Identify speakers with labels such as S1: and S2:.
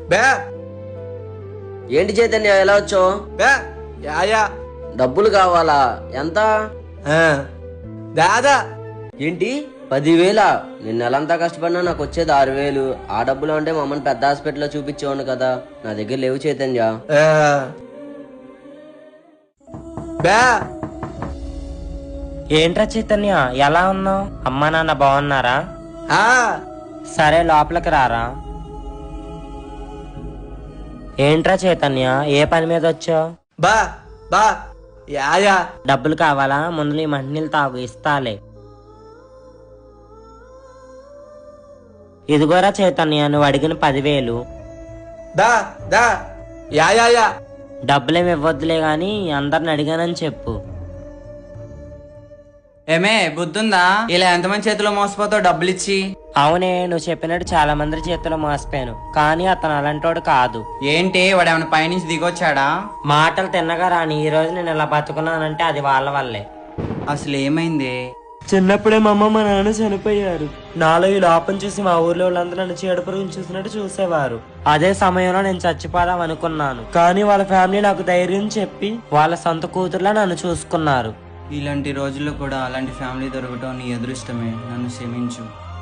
S1: బే
S2: ఏంటి చైతన్య ఎలా వచ్చావు?
S1: బే యాయా
S2: డబ్బులు కావాలా? ఎంత?
S1: దాదా
S2: ఏంటి 10,000? నేను నెలంతా కష్టపడినా నాకు వచ్చేది 6,000. ఆ డబ్బులు అంటే మా అమ్మని పెద్ద హాస్పిటల్లో చూపించేవాడు కదా, నా దగ్గర లేవు చైతన్య.
S1: బే
S3: ఏంట్రా చైతన్య ఎలా ఉన్నావు? అమ్మా నాన్న బాగున్నారా?
S1: ఆ
S3: సరే లోపలికి రారా. ఏంట్రా చైతన్య ఏ పని మీద వచ్చావు?
S1: బా బా యాయా
S3: డబ్బులు కావాలా? ముందు నీ మంటినీళ్ళు తాగు, ఇస్తాలే. ఇదిగోరా చైతన్య నువ్వు అడిగిన 10,000.
S1: దా దా యాయా
S3: డబ్బులేమి ఇవ్వద్దులే గాని అందరిని అడిగానని చెప్పు.
S4: ఏమే బుద్ధుందా? ఇలా ఎంతమంది చేతిలో మోసపోతావు డబ్బులు ఇచ్చి?
S3: అవునే, నువ్వు చెప్పినట్టు చాలా మంది చేతిలో మోసపోయాను, కానీ అతను అలాంటోడు కాదు.
S4: ఏంటి వాడు ఏమైనా పైనుంచి దిగొచ్చాడా?
S3: మాటలు తిన్నగా రాని ఈ రోజు నేను ఇలా బతుకున్నానంటే అది వాళ్ళ వల్లే.
S4: అసలు ఏమైంది?
S3: చిన్నప్పుడే మా అమ్మ మా నాన్న చనిపోయారు. నాలో ఈ లోపం చూసి మా ఊర్లో వాళ్ళందరూ నన్ను చీడపురుగుని చూసినట్టు చూసేవారు. అదే సమయంలో నేను చచ్చిపోదాం అనుకున్నాను, కానీ వాళ్ళ ఫ్యామిలీ నాకు ధైర్యం చెప్పి వాళ్ళ సొంత కూతుర్లా నన్ను చూసుకున్నారు.
S4: ఇలాంటి రోజుల్లో కూడా అలాంటి ఫ్యామిలీ దొరకటం నీ అదృష్టమే. నన్ను క్షమించు.